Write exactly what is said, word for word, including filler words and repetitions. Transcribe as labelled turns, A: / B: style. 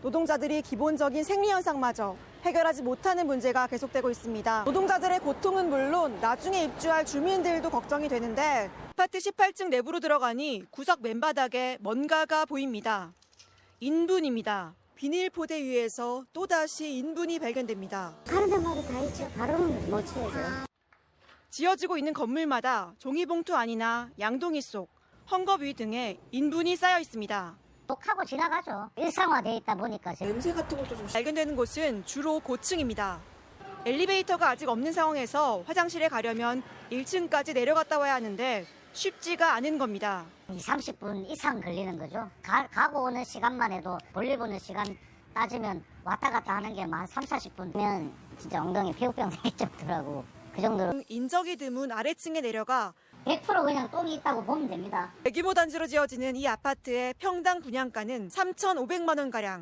A: 노동자들이 기본적인 생리 현상마저 해결하지 못하는 문제가 계속되고 있습니다. 노동자들의 고통은 물론 나중에 입주할 주민들도 걱정이 되는데 아파트 십팔 층 내부로 들어가니 구석 맨바닥에 뭔가가 보입니다. 인분입니다. 비닐 포대 위에서 또다시 인분이 발견됩니다.
B: 가는 데마다 다 있죠. 바로는 못 치워줘.
A: 지어지고 있는 건물마다 종이봉투 안이나 양동이 속, 헝겊 위 등에 인분이 쌓여 있습니다.
B: 독하고 지나가죠. 일상화돼 있다 보니까.
A: 냄새 같은 것도 좀 발견되는 곳은 주로 고층입니다. 엘리베이터가 아직 없는 상황에서 화장실에 가려면 일 층까지 내려갔다 와야 하는데 쉽지가 않은 겁니다.
B: 이, 삼십 분 이상 걸리는 거죠. 가, 가고 오는 시간만 해도 볼일 보는 시간 따지면 왔다 갔다 하는 게 한 삼, 사십 분이면 진짜 엉덩이 피부병 생길 정도라고. 그 정도로.
A: 인적이 드문 아래층에 내려가
B: 백 퍼센트 그냥 똥이 있다고 보면 됩니다.
A: 대규모 단지로 지어지는 이 아파트의 평당 분양가는 삼천오백만 원가량.